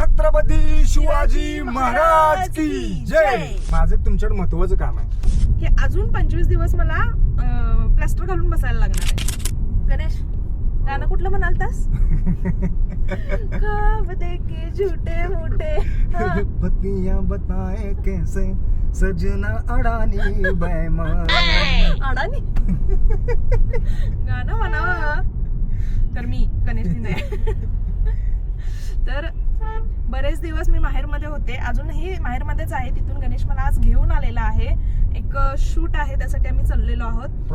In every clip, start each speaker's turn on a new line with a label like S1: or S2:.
S1: छत्रपती शिवाजी महाराज की जय. माझं तुमच्याकडे महत्वाचं काम आहे
S2: की अजून 25 दिवस मला प्लास्टर घालून बसायला लागणार आहे. गणेश गाणं कुठलं म्हणालतास? ख्वाब देखे झूठे मोठे
S1: पत्नियां बताए कैसे सजना अडानी बैमान.
S2: अडानी गाणं म्हणावं तर मी गणेश नाही. तर बरेच दिवस मी माहेरमध्ये होते, अजूनही माहेरमध्येच आहे. तिथून गणेश मला आज घेऊन आलेला आहे. एक शूट आहे, त्यासाठी आम्ही चाललेलो आहोत.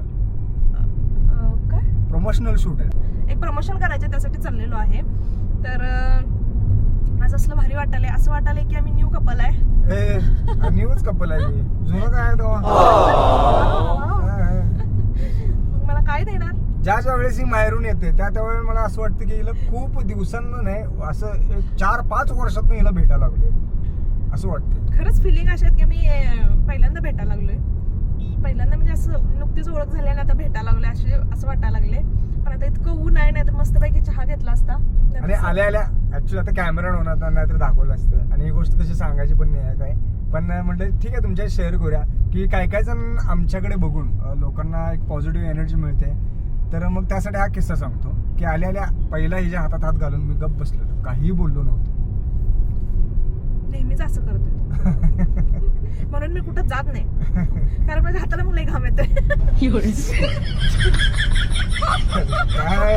S2: काय
S1: प्रमोशनल शूट आहे,
S2: एक प्रमोशन करायचं, त्यासाठी चाललेलो आहे. तर आज असलं भारी वाटायलंय, असं वाटायलंय की आम्ही न्यू कपल आहे.
S1: न्यूज कपल आहे. जुनं काय आहे तेव्हा
S2: मला काय देणार?
S1: ज्या वेळेस ही माहेरून येते त्यावेळेस मला असं वाटतं की हिला खूप दिवसांना नाही, असं 4-5 वर्षातून हिला भेटायला लागलोय असं वाटतं.
S2: खरंच फिलिंग अशी आहेत की मी पहिल्यांदा भेटायला लागलोय. पहिल्यांदा म्हणजे असं नुकतीच ओळख झाली आणि आता भेटायला लागले असं वाटायला लागले. पण आता इतकं ऊन आहे, नाही तर मस्तपैकी चहा घेतला असता.
S1: आणि आल्या ऍक्च्युली आता कॅमेरा होणार नाहीतर दाखवलं असतं. आणि ही गोष्ट तशी सांगायची पण नाही आहे काय, पण म्हटलं ठीक आहे तुमच्या शेअर करूया की काय काय जण आमच्याकडे बघून लोकांना एक पॉझिटिव्ह एनर्जी मिळते. तर मग त्यासाठी हा किस्सा सांगतो की आल्या पहिला हिच्या हातात हात घालून मी गप्प बसलेलो, काहीही बोललो नव्हतो.
S2: नेहमीच असं करतो म्हणून मी कुठं जात नाही, कारण माझ्या हाताला मग लई घाम येतोय.
S1: काय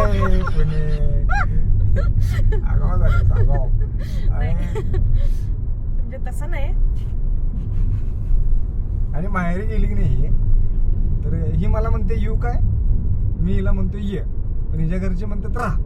S2: म्हणजे तसं नाही.
S1: आणि माहेरी गेली की नाही तर ही मला म्हणते येऊ काय, मी हिला म्हणतो ये, पण हिच्या घरचे म्हणतात राहा.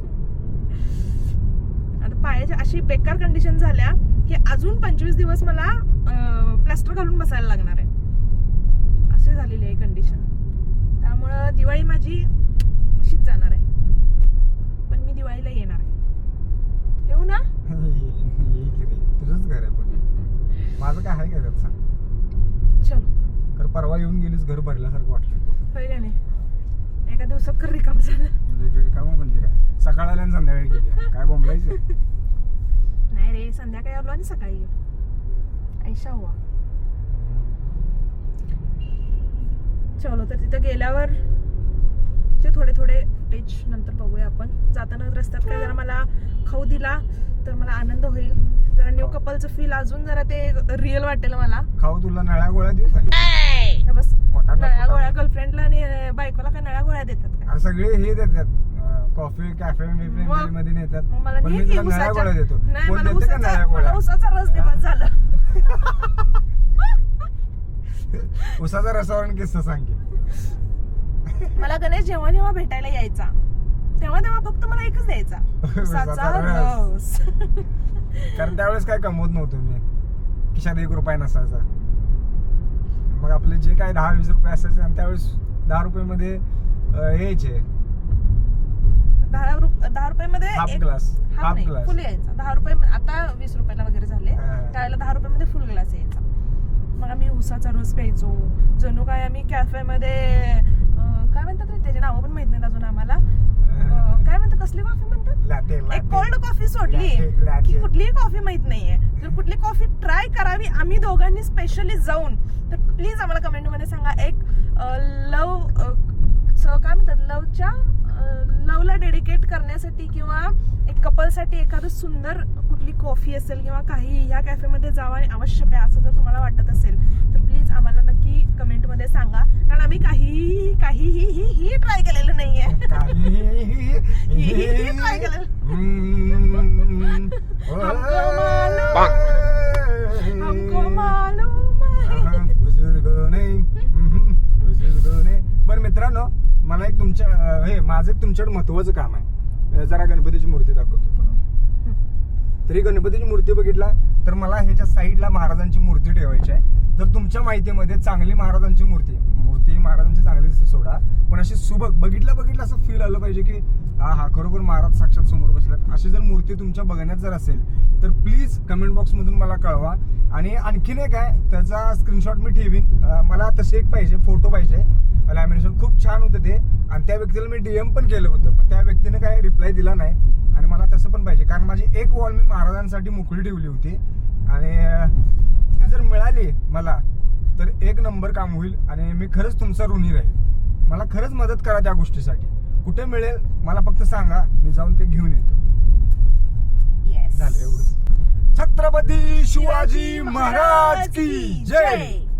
S2: आता पायाची अशी बेकार कंडिशन झाल्या की अजून 25 दिवस मला प्लास्टर घालून बसायला लागणार आहे, अशी झालेली आहे कंडिशन. त्यामुळं दिवाळी माझी अशीच जाणार आहे. पण मी दिवाळीला येणार आहे. येऊ ना?
S1: तुझंच घर आहे, पण माझं काय आहे का त्यात सांग.
S2: चलो.
S1: तर परवा येऊन गेलीस घर भरल्यासारखं वाटलं.
S2: पहिल्या नाही एका दिवसात कर रिकाम झालं.
S1: रिकाम म्हणजे काय, सकाळ आल्या आणि संध्याकाळी गेली काय बोंबलायचं.
S2: नाही रे, संध्याकाळी आलो आणि सकाळी गेलो. ऐशा हुआ. चलो, तर तिथं गेल्यावर ते थोडे टेच नंतर बघूया आपण. जाताना रस्त्यात काय जरा मला खाऊ दिला तर मला आनंद होईल. जरा न्यू कपलचं फील अजून जरा ते रिअल वाटेल मला.
S1: खाऊ तुला नळ्या गोळ्या देऊ काय?
S2: बस नळ्या गोळ्या गर्लफ्रेंडला आणि बायकोला काय नळ्या गोळ्या देतात काय?
S1: सगळे हे देतात, कॉफी कॅफे मध्ये नेतात. पण मी तुला नळ्या गोळ्या देतो. कोण देते का नळ्या गोळ्या?
S2: उसाचा रस दिवस झालं.
S1: उसाचा रसावरून किस्सा सांग की.
S2: मला गणेश जेव्हा जेव्हा भेटायला यायचा तेव्हा फक्त मला एकच द्यायचा, उसाचा रस.
S1: कारण त्यावेळेस काय कमवत नव्हतो मी, खिशात 1 रुपया नसायचा. मग आपले जे काय 10-20 रुपये असायचे आणि त्यावेळेस 10 रुपये यायचे.
S2: 10 रुपये
S1: हाफ ग्लास
S2: फुल यायचा. 10 रुपये आता 20 रुपयाला वगैरे झाले. त्यावेळेला 10 रुपये फुल ग्लास यायचा. मग आम्ही उसाचा रस प्यायचो. जणू काय आम्ही कॅफेमध्ये काय म्हणतात रे, त्याचे नावं पण माहित नाहीत अजून आम्हाला. काय म्हणतात, कसली कॉफी म्हणतात? एक कोल्ड कॉफी सोडली की कुठलीही कॉफी माहित नाहीये. जर कुठली कॉफी ट्राय करावी आम्ही दोघांनी स्पेशली जाऊन, तर प्लीज आम्हाला कमेंट मध्ये सांगा. एक काय म्हणतात, लवला डेडिकेट करण्यासाठी किंवा एक कपलसाठी एखादं सुंदर कुठली कॉफी असेल किंवा काही ह्या कॅफेमध्ये जावं आणि अवश्य प्या, असं जर तुम्हाला वाटत असेल तर प्लीज आम्हाला नक्की कमेंट मध्ये सांगा. कारण आम्ही काहीही ट्राय केलेलं नाहीये. ट्राय केलेलं. हमको मालूम है.
S1: बरं मित्रांनो, मला एक माझं तुमच्याकडे महत्वाचं काम आहे. जरा गणपतीची मूर्ती दाखव की पुन्हा. तरी गणपतीची मूर्ती बघितला तर मला ह्याच्या साईडला महाराजांची मूर्ती ठेवायची आहे. जर तुमच्या माहितीमध्ये चांगली महाराजांची मूर्ती महाराजांची चांगली सोडा, पण अशी सुबक बघितलं असं फील आलं पाहिजे की हा खरोखर महाराज साक्षात समोर बसल्यात, अशी जर मूर्ती तुमच्या बघण्यात जर असेल तर प्लीज कमेंट बॉक्स मधून मला कळवा. आणि आणखीन एक आहे, त्याचा स्क्रीनशॉट मी ठेवीन. मला तसे एक पाहिजे, फोटो पाहिजे. लॅमिनेशन खूप छान होतं ते, आणि त्या व्यक्तीला मी DM पण केलं होतं, पण त्या व्यक्तीने काय रिप्लाय दिला नाही. आणि मला तसं पण पाहिजे, कारण माझी एक वॉल मी महाराजांसाठी मोकळी ठेवली होती आणि ती जर मिळाली मला तर एक नंबर काम होईल आणि मी खरंच तुमचा ऋणी राहील. मला खरंच मदत करा त्या गोष्टीसाठी. कुठे मिळेल मला फक्त सांगा, मी जाऊन ते घेऊन येतो.
S2: Yes.
S1: झालं एवढं. छत्रपती शिवाजी महाराज की जय.